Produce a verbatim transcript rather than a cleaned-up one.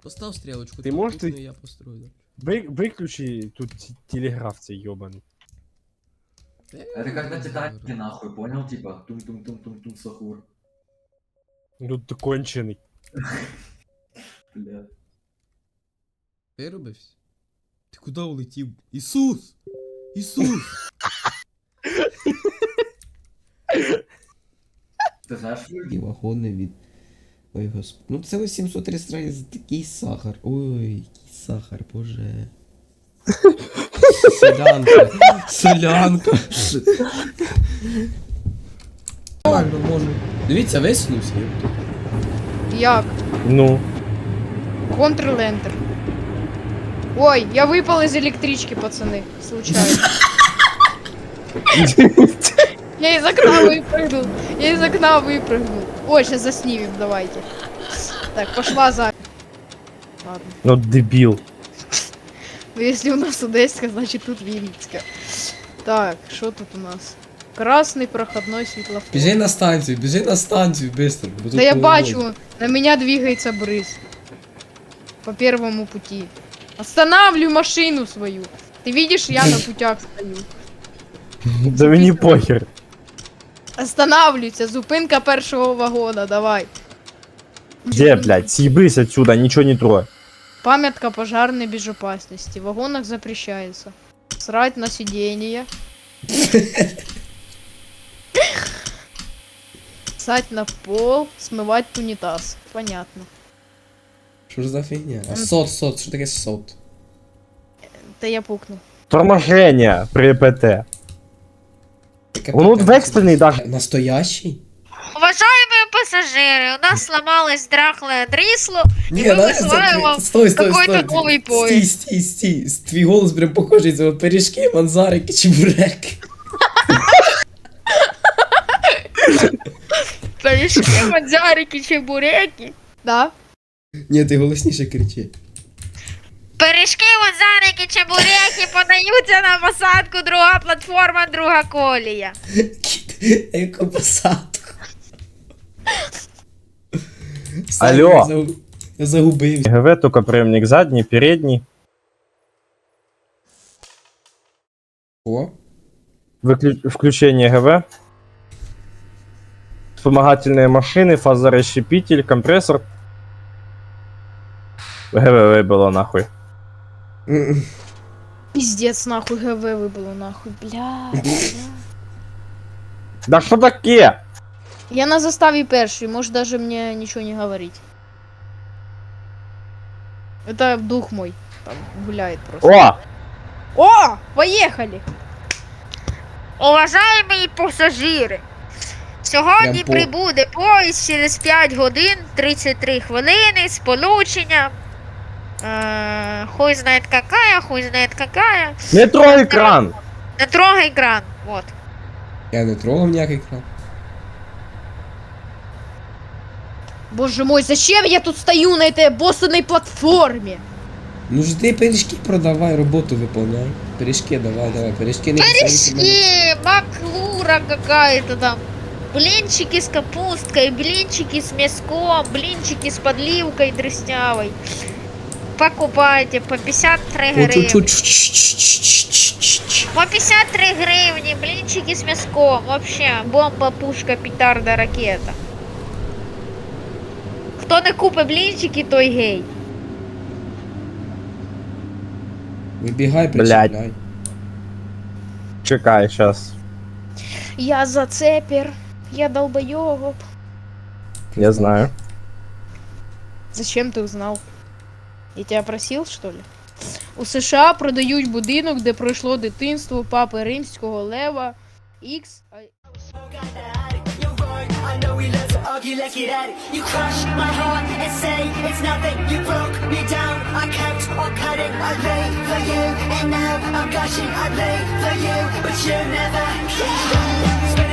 Постав стрелочку. Ты тут можешь крупную ты- я построю. Вы, выключи тут т- телеграф цей ёбаный. Да я Это как на не Титанике, знаю. нахуй, понял? Типа, тум-тум-тум-тум-тум, сахур. Ну ты конченый. Бля. Вирубився? Ти куди улетів? Ісус! Ісус! Ти знаєш, І вагони від. Ой, госп... Ну це ось сімсот реєстрацій, такий сахар. Ой, який сахар, боже. Солянка. Солянка. Нормально, можу. Дивіться, висунувся. Як? Ну. Ctrl-Enter. Ой, я выпал из электрички, пацаны. Случайно. Я из окна выпрыгнул. Я из окна выпрыгнул. Ой, сейчас заснимем, давайте. Так, пошла за... Ладно. Ну дебил. Ну, если у нас Одеська, значит тут Вінницька. Так, что тут у нас? Красный проходной светлофор. Біжи на станцію, біжи на станцію, быстро. бо Да тут я поворот. бачу, на меня двигается брыз. По первому пути. Останавливаю машину свою. Ты видишь, я на путях стою. Да мені похер. Останавливайся, зупинка першого вагона, давай. Где, блядь, съебись отсюда, ничего не трогай. Памятка пожарной безопасности. В вагонах запрещается. Срать на сиденье. Ссать на пол, смывать унитаз. Понятно. Що ж за фігня? А сот, сот, що таке сот? Да я пукну. Торможение при ПТ. Таке Воно таке. векстельний даже. Настоящий? Уважаемые пассажиры, у нас сломалось драхлое дрисло, Ні, и мы да, вызываем вам стой, стой, какой-то стой. новый Стій, поезд. стій, стій. Твій голос прям похожий, це пиріжки, манзарики, чебуреки. Пирожки, мадзарики, чебуреки. Да? Ні, ти голосніше кричи. Пиріжки, мадзарики, чебуреки подаються на посадку, друга платформа, друга колія. Кіт, яку посадку. Алло. Я загу- Я загубився. ГВ только приемник задний, передний. О, Выклю... Включение ГВ. Вспомогательные машины, фазорасщепитель, компрессор. ГВ выбило нахуй. м-м. Пиздец, нахуй ГВ выбыло, нахуй, бля, бля. Да что такие? Я на заставе перший, может даже мне ничего не говорить. Это дух мой, там гуляет просто. О! О, поехали! Уважаемі пасажири, сьогодні Прям по- прибуде поїзд через п'ять годин тридцять три хвилини з полученням. Е, хуй знает какая, хуй знает какая. Метро экран! Не трогай кран. Вот. Я не трогав ніякий кран. Боже мой, зачем я тут стою на этой боссаной платформе? Ну ж ти пиріжки продавай, роботу виповняй. Пиріжки давай, давай, пиріжки не кусаються мене. Пирожки, маклура какая-то там. Блинчики с капусткой, блинчики с мяском, блинчики с подливкой дрыснявой. Покупайте по пятьдесят три гривни. Чу-чу-чу-чу-чу-чу-чу-чу. По пятьдесят три гривни, блинчики с мяском. Вообще, бомба, пушка, петарда, ракета. Хто не купить блинчики, той гей. Вибігай, Блядь. причіпляй. Чекай, сейчас. Я зацепер, я долбоёб. Я знаю. Зачем ты узнал? Я тебя просил, что ли? У США продають будинок, де пройшло дитинство папи римського Лева Ікс. I know we love to argue, let's get at it. You crush my heart and say it's nothing. You broke me down, I kept on cutting. I lay for you, and now I'm gushing. I lay for you, but you never came.